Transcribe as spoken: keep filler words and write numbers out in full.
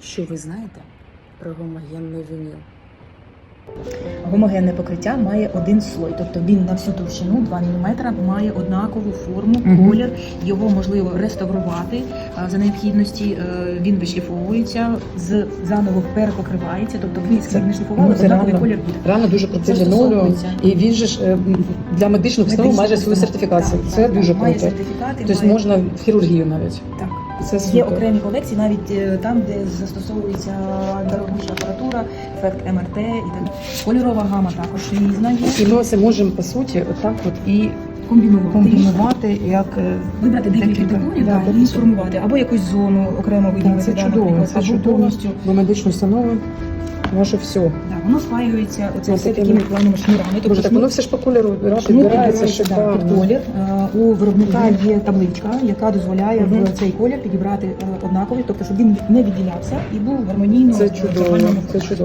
Що ви знаєте про гомогенний вініл? Гомогенне покриття має один слой, тобто він на всю товщину два міліметри має однакову форму, Мгм. колір. Його можливо реставрувати а, за необхідності. е, Він вишліфовується, з заново перепокривається, тобто він скільки не шліфували, Ну, це однаковий реально- колір буде. Реально дуже крутий Це лінолеум, стосовується. і він же ж е, м, для медичних установ Медичні майже свою установи. сертифікацію. Так, Це так, дуже так. Має круто. сертифікати, Тобто має- можна в хірургію навіть. Так. Це Є супер. окремі колекції, навіть е, там, де застосовується дорогуща апаратура, ефект ем ер те і так. Кольорова гама також різна є. І ми це можемо по суті отак от і Комбінувати. комбінувати як е, Вибрати декілька декілька. тонів Да, да, і сформувати. Або якусь зону окремо виділити. це да, чудово, наприклад, це або чудово. повністю. Бо медичні установи ваше все. Да, воно спаюється оце Ось все такими- такими плавними шнурами. Тобто Боже, так шнур- воно все ж по кольору шнур підбирається підбирається, да, під шикарно. колір. Е, У виробника є табличка, яка дозволяє Мгм. в цей колір підібрати е, однаковий, тобто щоб він не відділявся і був гармонійно Це в чудово, загальному це чудово.